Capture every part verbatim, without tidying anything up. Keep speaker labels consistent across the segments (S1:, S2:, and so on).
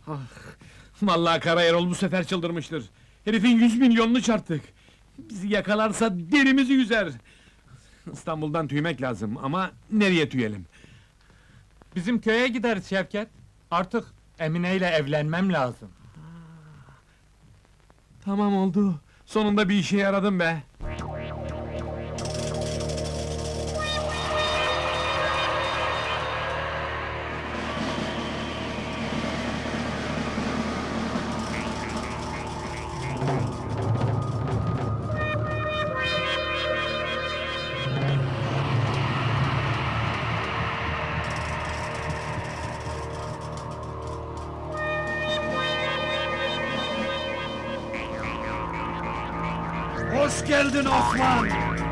S1: Vallahi Karayerol bu sefer çıldırmıştır. Herifin yüz milyonunu çarptık. Bizi yakalarsa derimizi yüzer. İstanbul'dan tüymek lazım ama nereye tüyelim?
S2: Bizim köye gideriz Şevket. Artık Emine ile evlenmem lazım.
S1: Tamam oldu. Sonunda bir işe yaradım be.
S3: Hoş geldin Osman!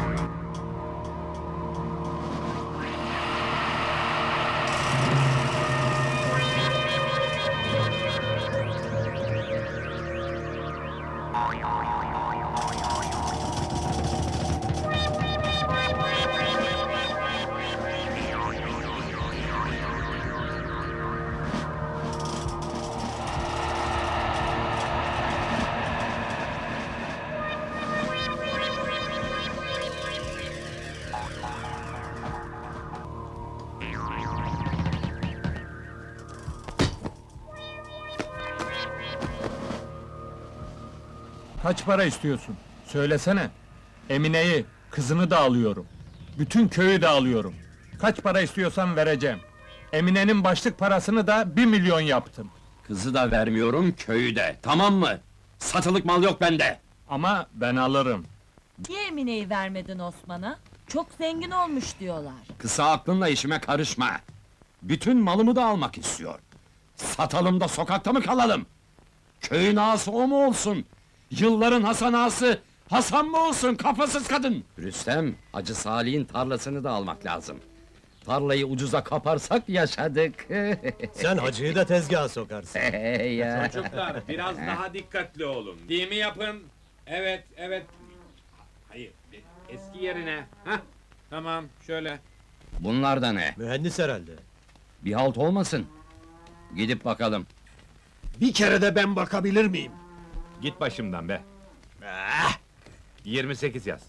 S2: Kaç para istiyorsun? Söylesene. Emine'yi, kızını da alıyorum. Bütün köyü de alıyorum. Kaç para istiyorsan vereceğim. Emine'nin başlık parasını da bir milyon yaptım.
S3: Kızı da vermiyorum, köyü de, tamam mı? Satılık mal yok bende!
S2: Ama ben alırım.
S4: Niye Emine'yi vermedin Osman'a? Çok zengin olmuş diyorlar.
S3: Kısa aklınla işime karışma! Bütün malımı da almak istiyor. Satalım da sokakta mı kalalım? Köyün ağası o mu olsun? Yılların Hasan ağası, Hasan mı olsun, kafasız kadın! Rüstem, Hacı Salih'in tarlasını da almak lazım. Tarlayı ucuza kaparsak yaşadık!
S5: Sen hacıyı da tezgaha sokarsın.
S3: ya.
S1: Çocuklar, biraz daha dikkatli olun. Değil mi yapın? Evet, evet. Hayır, eski yerine. Hah, tamam, şöyle.
S3: Bunlar da ne?
S5: Mühendis herhalde.
S3: Bir halt olmasın. Gidip bakalım.
S6: Bir kere de ben bakabilir miyim?
S1: Git başımdan be. yirmi sekiz yaz.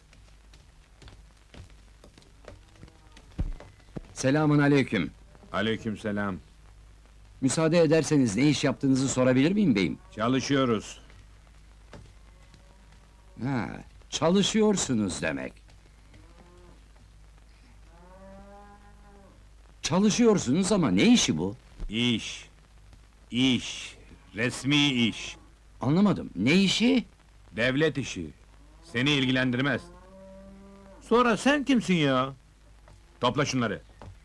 S3: Selamün aleyküm.
S1: Aleykümselam.
S3: Müsaade ederseniz ne iş yaptığınızı sorabilir miyim beyim?
S1: Çalışıyoruz.
S3: Ha, çalışıyorsunuz demek. Çalışıyorsunuz ama ne işi bu?
S1: İş. İş. Resmi iş.
S3: Anlamadım. Ne işi?
S1: Devlet işi. Seni ilgilendirmez. Sonra sen kimsin ya? Topla şunları.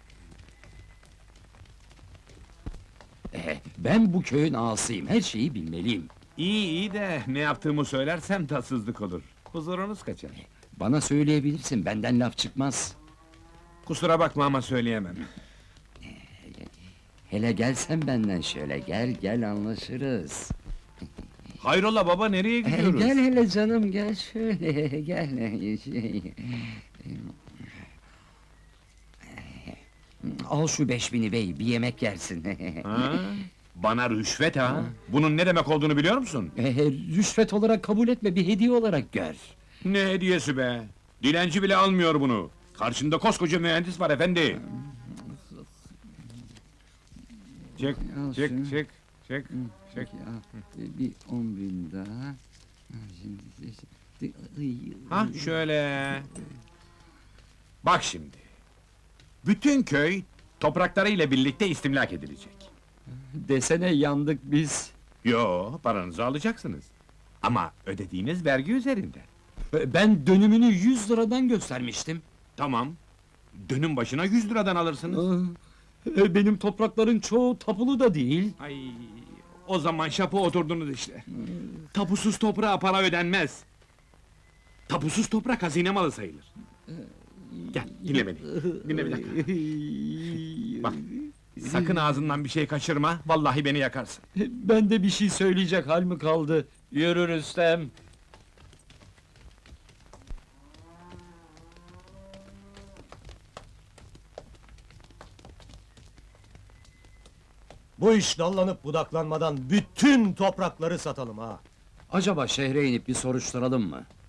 S3: Eh, ben bu köyün ağasıyım. Her şeyi bilmeliyim.
S1: İyi iyi de ne yaptığımı söylersem tatsızlık olur. Huzurunuz kaçar.
S3: Bana söyleyebilirsin. Benden laf çıkmaz.
S1: Kusura bakma ama söyleyemem.
S3: Hele gelsen benden şöyle. Gel gel anlaşırız.
S1: Hayrola baba nereye
S3: Eh,
S1: gidiyoruz?
S3: gel hele canım gel şöyle. Gel. Şey. Al şu beş bini bey, bir yemek yersin.
S1: Ha? Bana rüşvet ha? Bunun ne demek olduğunu biliyor musun?
S3: Eh, rüşvet olarak kabul etme, bir hediye olarak gör.
S1: Ne hediyesi be? Dilenci bile almıyor bunu. Karşında koskoca mühendis var efendi. Çık,
S3: Al
S1: çık,
S3: şunu.
S1: çık, çık, çık.
S3: Peki, al, bir on bin daha. Ha, Şimdi, şimdi,
S1: Ha şöyle. Bak şimdi. Bütün köy topraklarıyla birlikte istimlak edilecek.
S3: desene yandık biz.
S1: Yo, paranızı alacaksınız. Ama ödediğiniz vergi üzerinden.
S3: Ben dönümünü yüz liradan göstermiştim.
S1: Tamam. Dönüm başına yüz liradan alırsınız.
S3: E, Benim toprakların çoğu tapulu da değil.
S1: Ay, o zaman şapı oturdunuz işte. Tapusuz toprağa para ödenmez. Tapusuz toprak hazine malı sayılır. Gel, dinle beni. Dinle bir dakika. Bak, sakın ağzından bir şey kaçırma, vallahi beni yakarsın.
S2: Ben de bir şey söyleyecek hal mi kaldı? Yürü Rüstem.
S5: Bu Bu iş dallanıp budaklanmadan bütün toprakları satalım ha.
S3: Acaba şehre inip bir soruşturalım mı?